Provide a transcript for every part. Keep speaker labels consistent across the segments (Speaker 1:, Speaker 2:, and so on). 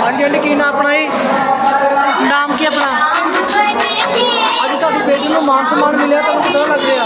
Speaker 1: हाँ जी आंटी की नाम अपना ही नाम की अपना अभी ਤੁਹਾਡੀ बेटी ਨੂੰ ਮਾਨ सम्मान मिले ਤੁਹਾਨੂੰ ਕਿਦਾਂ ਲੱਗ ਰਿਹਾ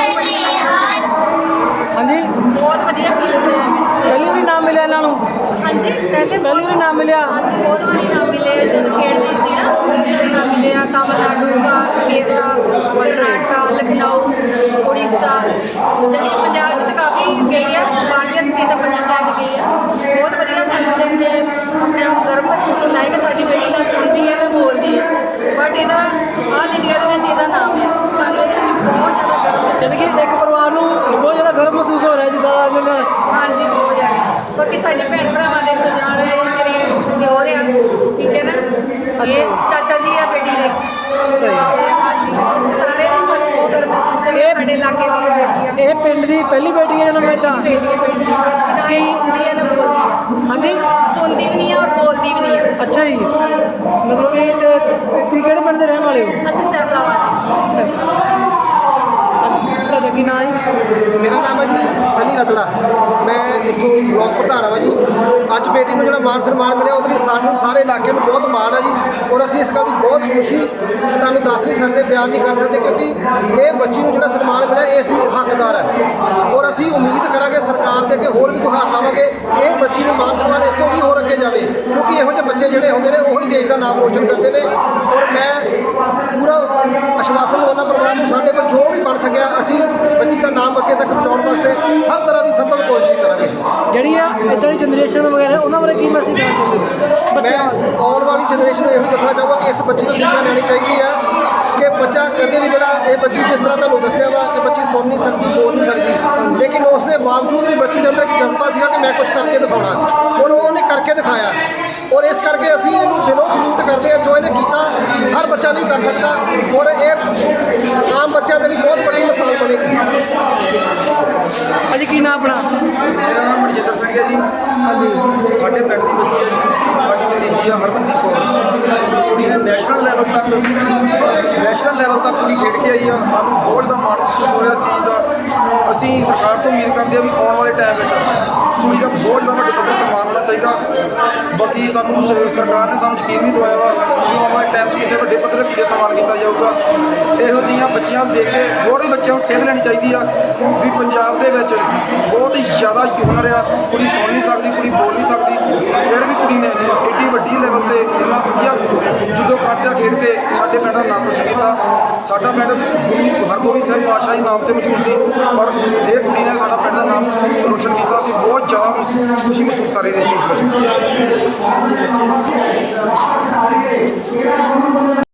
Speaker 1: हाँ जी
Speaker 2: बहुत वधिया फील हो रहा है
Speaker 1: पहली बार नाम मिले ਇਹਨਾਂ ਨੂੰ
Speaker 2: हाँ जी पहले
Speaker 1: पहली बार नाम मिले
Speaker 2: हाँ जी बहुत बारी नाम मिले जब खेलते सी ना नाम मिले तमिलनाडु का केरला कर्नाटका लखनऊ उड़ीसा जानी कि पंजाब च तो काफ़ी गई है बाहरलियां स्टेटां पंजाब शहर गई है बहुत वधिया सानूं जानी कि अपने आप गर्व महसूस होता है कि साडी बेटी ना सुनती है तो बोलती है बट ਇਹਦਾ ਆਲ ਇੰਡੀਆ ਦੇ ਵਿੱਚ ਇਹਦਾ ਨਾਮ ਹੈ ਸਾਨੂੰ ਇਹਦੇ ਵਿੱਚ ਬਹੁਤ ਜ਼ਿਆਦਾ ਗਰਵ महसूस
Speaker 1: यानी कि एक परिवार ਨੂੰ बहुत ज़्यादा गर्व महसूस हो रहा है जिदा
Speaker 2: हाँ जी बहुत ज़्यादा बाकी साढ़े भैन भरावां दे सजान मेरे दिओर आ ठीक है ना ये चाचा जी है बेटी दे
Speaker 1: अच्छा जी
Speaker 2: हाँ जी ਅਸੀਂ ਸਾਰੇ ਨੂੰ ਸਾਨੂੰ ਬਹੁਤ ਗਰव महसूस है
Speaker 1: ਇਹ-
Speaker 2: ਸਾਡੇ ਇਲਾਕੇ ਦੀ ਬੇਟੀ ਆ
Speaker 1: ਇਹ ਪਿੰਡ ਦੀ ਪਹਿਲੀ ਬੇਟੀ ਹੈ ਜਿਹਨਾਂ ਨੂੰ ਇਦਾਂ
Speaker 2: बेटी है बेटी ना ही सुनती है ना बोलती है
Speaker 1: ਹਾਂਜੀ
Speaker 2: सुनती भी नहीं है और बोलती भी नहीं है
Speaker 1: ਅੱਛਾ ਜੀ ਮਤਲਬ ਇਹ ਤੇ ਤੁਸੀਂ ਕਿਹੜੇ ਪਿੰਡ ਦੇ ਰਹਿਣ ਵਾਲੇ ਹੋ
Speaker 2: ਅਸੀਂ ਸਰਪਲਾਵਾਂ
Speaker 1: ਸਰ ਤੁਹਾਡਾ ਕੀ ਨਾਮ ਹੈ
Speaker 3: ਮੇਰਾ ਨਾਮ ਹੈ ਜੀ ਸਨੀ ਰਤੜਾ ਮੈਂ ਇੱਥੋਂ ਬਲਾਕ ਪ੍ਰਧਾਨ ਹਾਂ ਜੀ। ਅੱਜ ਬੇਟੀ ਨੂੰ ਜਿਹੜਾ ਮਾਨ ਸਨਮਾਨ ਮਿਲਿਆ ਉਹਦੇ ਲਈ ਸਾਨੂੰ ਸਾਰੇ ਇਲਾਕੇ ਨੂੰ ਬਹੁਤ ਮਾਣ ਹੈ ਜੀ ਔਰ ਅਸੀਂ ਇਸ ਗੱਲ ਦੀ ਬਹੁਤ ਖੁਸ਼ੀ ਤੁਹਾਨੂੰ ਦੱਸ ਨਹੀਂ ਸਕਦੇ, ਬਿਆਨ ਨਹੀਂ ਕਰ ਸਕਦੇ ਕਿਉਂਕਿ ਇਹ ਬੱਚੀ ਨੂੰ ਜਿਹੜਾ ਸਨਮਾਨ ਮਿਲਿਆ ਇਸ ਦੀ ਹੱਕਦਾਰ ਹੈ ਔਰ ਅਸੀਂ ਉਮੀਦ ਕਰਾਂਗੇ ਸਰਕਾਰ ਦੇ ਅੱਗੇ ਹੋਰ ਵੀ ਗੁਹਾਰ ਲਾਵਾਂਗੇ ਕਿ ਇਹ ਬੱਚੀ ਨੂੰ ਮਾਨ ਸਨਮਾਨ ਇਸ ਤੋਂ ਵੀ ਹੋਰ ਅੱਗੇ ਜਾਵੇ ਕਿਉਂਕਿ ਇਹੋ ਜਿਹੇ ਬੱਚੇ ਜਿਹੜੇ ਹੁੰਦੇ ਨੇ ਉਹੀ ਦੇਸ਼ ਦਾ ਨਾਮ ਰੋਸ਼ਨ ਕਰਦੇ ਨੇ ਔਰ ਮੈਂ ਪੂਰਾ ਆਸ਼ਵਾਸਨ ਦਵਾਉਣਾ ਪਰਿਵਾਰ ਨੂੰ ਸਾਡੇ ਕੋਲ ਜੋ ਵੀ ਬਣ ਸਕਿਆ ਅਸੀਂ ਬੱਚੀ ਦਾ ਨਾਮ ਅੱਗੇ ਤੱਕ ਪਹੁੰਚਾਉਣ ਵਾਸਤੇ ਹਰ ਤਰ੍ਹਾਂ ਦੀ ਸੰਭਵ ਕੋਸ਼ਿਸ਼ ਕਰਾਂਗੇ।
Speaker 1: ਜਿਹੜੀ ਆ ਇਦਾਂ ਦੀ ਜਨਰੇਸ਼ਨ ਵਗੈਰਾ ਉਹਨਾਂ ਬਾਰੇ ਕੀ ਮੈਸੇਜ ਦੇਣਾ ਚਾਹੁੰਦੇ ਹੋ
Speaker 3: ਮੈਂ
Speaker 1: ਬੱਚਿਆਂ
Speaker 3: ਆਉਣ ਵਾਲੀ ਜਨਰੇਸ਼ਨ ਨੂੰ ਇਹੋ ਹੀ ਦੱਸਣਾ ਚਾਹਾਂਗਾ ਕਿ ਇਸ ਬੱਚੀ ਨੂੰ ਸਿੱਖਿਆ ਲੈਣੀ ਚਾਹੀਦੀ ਹੈ ਕਿ ਬੱਚਾ ਕਦੇ ਵੀ ਜਿਹੜਾ ਇਹ ਬੱਚੀ ਜਿਸ ਤਰ੍ਹਾਂ ਤੁਹਾਨੂੰ ਦੱਸਿਆ ਵਾ ਕਿ ਬੱਚੀ ਸੁਣ ਨਹੀਂ ਸਕਦੀ ਬੋਲ ਨਹੀਂ ਸਕਦੀ ਲੇਕਿਨ ਉਸ ਦੇ ਬਾਵਜੂਦ ਵੀ ਬੱਚੀ ਦੇ ਅੰਦਰ ਇੱਕ ਜਜ਼ਬਾ ਸੀਗਾ ਕਿ ਮੈਂ ਕੁਝ ਕਰਕੇ ਦਿਖਾਉਣਾ ਔਰ ਉਹਨੇ ਕਰਕੇ ਦਿਖਾਇਆ ਔਰ ਇਸ ਕਰਕੇ ਅਸੀਂ ਇਹਨੂੰ ਦਿਲੋਂ ਸਲੂਟ ਕਰਦੇ ਹਾਂ ਜੋ ਇਹਨੇ ਕੀਤਾ ਹਰ ਬੱਚਾ ਨਹੀਂ ਕਰ ਸਕਦਾ ਔਰ ਇਹ ਆਮ ਬੱਚਿਆਂ ਦੇ ਲਈ ਬਹੁਤ ਵੱਡੀ ਮਿਸਾਲ ਬਣੇਗੀ।
Speaker 1: ਅੱਜ ਕੀ ਨਾਮ ਆਪਣਾ
Speaker 4: ਮੇਰਾ ਨਾਮ ਮਨਜਿੰਦਰ ਸਿੰਘ ਹੈ ਜੀ।
Speaker 1: ਹਾਂਜੀ
Speaker 4: ਸਾਡੇ ਪਿੰਡ ਦੀ ਬੱਚੀ ਹੈ ਜੀ, ਸਾਡੀ ਭਤੀਜੀ ਆ ਹਰਮਨਦੀਪ ਕੌਰ। ਕੁੜੀ ਨੇ ਨੈਸ਼ਨਲ ਲੈਵਲ ਤੱਕ ਕੁੜੀ ਖੇਡ ਕੇ ਆਈ ਆ। ਸਾਨੂੰ ਬਹੁਤ ਜ਼ਿਆਦਾ ਮਾਣ ਮਹਿਸੂਸ ਹੋ ਰਿਹਾ ਇਸ ਚੀਜ਼ ਦਾ। ਅਸੀਂ ਸਰਕਾਰ ਤੋਂ ਉਮੀਦ ਕਰਦੇ ਹਾਂ ਵੀ ਆਉਣ ਵਾਲੇ ਟਾਈਮ ਵਿੱਚ ਕੁੜੀ ਦਾ ਬਹੁਤ ਜ਼ਿਆਦਾ ਵੱਡੇ ਪੱਧਰ ਸਨਮਾਨ ਹੋਣਾ ਚਾਹੀਦਾ। ਬਾਕੀ ਸਾਨੂੰ ਸਰਕਾਰ ਨੇ ਸਾਨੂੰ ਯਕੀਨ ਵੀ ਦਿਵਾਇਆ ਵਾ ਕਿ ਆਉਣ ਵਾਲੇ ਟਾਈਮ 'ਚ ਕਿਸੇ ਵੱਡੇ ਪੱਧਰ 'ਤੇ ਕੁੜੀ ਦਾ ਸਨਮਾਨ ਕੀਤਾ ਜਾਊਗਾ। ਇਹੋ ਜਿਹੀਆਂ ਬੱਚੀਆਂ ਨੂੰ ਦੇਖ ਕੇ ਹੋਰ ਵੀ ਬੱਚਿਆਂ ਨੂੰ ਸੇਧ ਲੈਣੀ ਚਾਹੀਦੀ ਆ ਵੀ ਪੰਜਾਬ ਦੇ ਵਿੱਚ ਬਹੁਤ ਹੀ ਜ਼ਿਆਦਾ ਹੁਨਰ ਆ। ਕੁੜੀ ਸੁਣ ਨਹੀਂ ਸਕਦੀ, ਕੁੜੀ ਬੋਲ ਨਹੀਂ ਸਕਦੀ, ਫਿਰ ਵੀ ਕੁੜੀ ਨੇ ਏਡੀ ਵੱਡੀ ਲੈਵਲ 'ਤੇ ਇੰਨਾ ਵਧੀਆ ਜੁੱਡੋ ਕਰਾਟੇ ਖੇਡ ਕੇ ਸਾਡੇ ਪਿੰਡ ਦਾ ਨਾਮ ਰੋਸ਼ਨ ਕੀਤਾ। ਸਾਡਾ ਪਿੰਡ ਗੁਰੂ ਹਰਗੋਬਿੰਦ ਸਾਹਿਬ ਪਾਤਸ਼ਾਹ ਦੇ ਨਾਮ 'ਤੇ ਮਸ਼ਹੂਰ ਸੀ ਪਰ ਇਹ ਕੁੜੀ ਨੇ ਸਾਡਾ ਪਿੰਡ ਦਾ ਨਾਮ ਰੋਸ਼ਨ ਕੀਤਾ। ਅਸੀਂ ਬਹੁਤ ਜ਼ਿਆਦਾ ਖੁਸ਼ੀ ਮਹਿਸੂਸ ਕਰ ਰਹੇ ਇਸ ਚੀਜ਼ ਵਿੱਚ।